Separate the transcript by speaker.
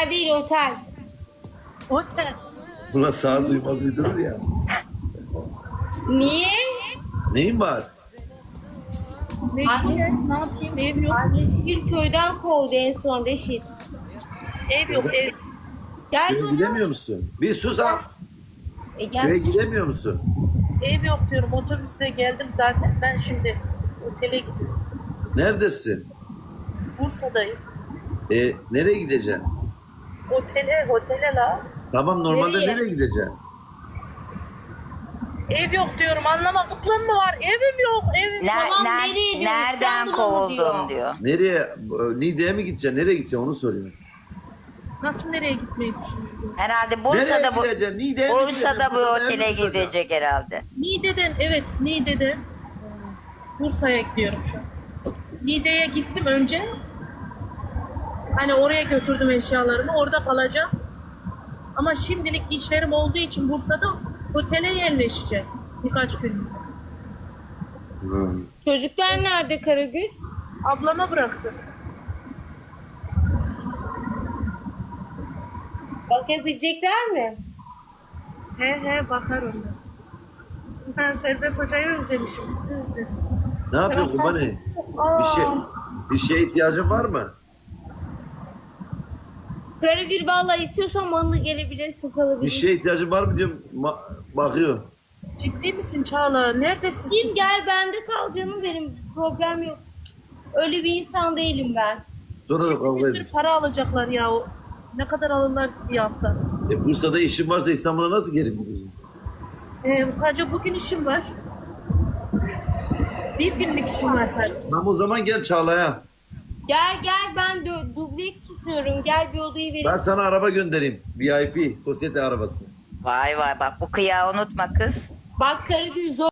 Speaker 1: Otel değil, otel.
Speaker 2: Otel.
Speaker 3: Buna sağır duymaz uydurur ya.
Speaker 1: Niye?
Speaker 3: Neyin var?
Speaker 2: Mecburen ne yapayım? Ev yok.
Speaker 1: Annesi bir köyden kovdu en son Reşit.
Speaker 2: Ev yok ev.
Speaker 1: Gel
Speaker 3: Köye
Speaker 1: bana.
Speaker 3: gidemiyor musun? Bir sus ha. Köye
Speaker 1: Gel.
Speaker 3: gidemiyor musun?
Speaker 2: Ev yok diyorum. Otobüste geldim zaten. Ben şimdi otele gidiyorum.
Speaker 3: Neredesin?
Speaker 2: Bursa'dayım.
Speaker 3: Nereye gideceksin?
Speaker 2: Otele la.
Speaker 3: Tamam normalde
Speaker 1: Nereye?
Speaker 3: nereye gideceksin?
Speaker 2: Ev yok diyorum. Anlama kıtlığın mı var? Evim yok. Evim yok.
Speaker 1: Tamam, nereye diyor?
Speaker 4: Nereden
Speaker 1: İstanbul'a mı
Speaker 4: kovuldun diyor.
Speaker 3: Nereye? Niğde'ye mi gideceksin? Nereye gideceksin onu soruyorum.
Speaker 2: Nasıl nereye gitmeyi düşünüyorum?
Speaker 4: Herhalde
Speaker 3: Nereye
Speaker 4: Bursa'da bu
Speaker 3: gideceksin? Niğde'ye mi
Speaker 4: Bursa'da bu
Speaker 3: gideceksin?
Speaker 4: otele
Speaker 3: Bursa'da mı
Speaker 4: gidecek herhalde.
Speaker 2: Niğde'den Bursa'ya gidiyorum şu an. Niğde'ye gittim önce. Hani oraya götürdüm eşyalarımı. Orada kalacağım. Ama şimdilik işlerim olduğu için Bursa'da otele yerleşeceğim. Birkaç gün.
Speaker 3: Hı.
Speaker 1: Çocuklar nerede Karagül?
Speaker 2: Ablama bıraktım.
Speaker 1: Bakabilecekler mi?
Speaker 2: He bakar onlar. Ben Serbest Hoca'yı özlemişim. Sizi özledim.
Speaker 3: Ne yapıyorsun Kubani? Bir şeye ihtiyacın var mı?
Speaker 1: Karagül vallahi istiyorsan manlı gelebilirsin,
Speaker 3: Bir
Speaker 1: kalabilirsin.
Speaker 3: şeye ihtiyacın var mı diyorum. Bakıyor.
Speaker 2: Ciddi misin Çağla? Neredesin?
Speaker 1: Gel gel, bende kal canım benim. Problem yok. Öyle bir insan değilim ben.
Speaker 3: Sonra da
Speaker 2: Şimdi
Speaker 3: kavga
Speaker 2: bir sürü
Speaker 3: edin.
Speaker 2: para alacaklar ya. Ne kadar alırlar ki bir hafta?
Speaker 3: Bursa'da işin varsa İstanbul'a nasıl geri gidiyorsun?
Speaker 2: Sadece bugün işim var. Bir günlük işim var sadece.
Speaker 3: Tamam o zaman gel Çağla'ya.
Speaker 1: Gel gel, ben dubleks tutuyorum. Gel bir odayı vereyim.
Speaker 3: Ben sana araba göndereyim. VIP, sosyete arabası.
Speaker 4: Vay vay bak bu kıyağı unutma kız.
Speaker 1: Bak Karagül, zor